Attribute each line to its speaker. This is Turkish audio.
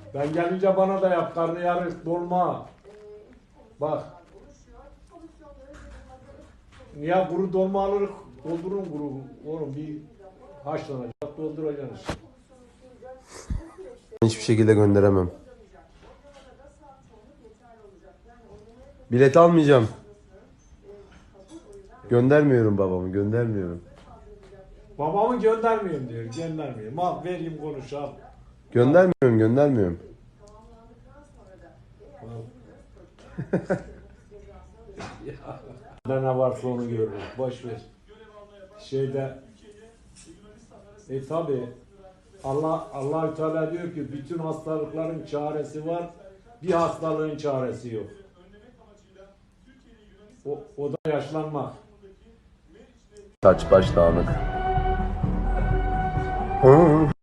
Speaker 1: Ben gelince bana da yap karnıyarık, dolma. Bak. Niye kuru dolma alırız? Doldurun kuru. Oğlum bir haşlanacak, dolduracaksın.
Speaker 2: Hiçbir şekilde gönderemem. Bilet almayacağım. Göndermiyorum babamı, göndermiyorum.
Speaker 1: Babamı göndermiyorum diyor, göndermiyorum. Al vereyim konuş al.
Speaker 2: Göndermiyorum.
Speaker 1: Ne varsa onu görürüz, boş ver. Tabi Allah Teala diyor ki bütün hastalıkların çaresi var, bir hastalığın çaresi yok. O da yaşlanmak.
Speaker 2: Saç baş dağınık.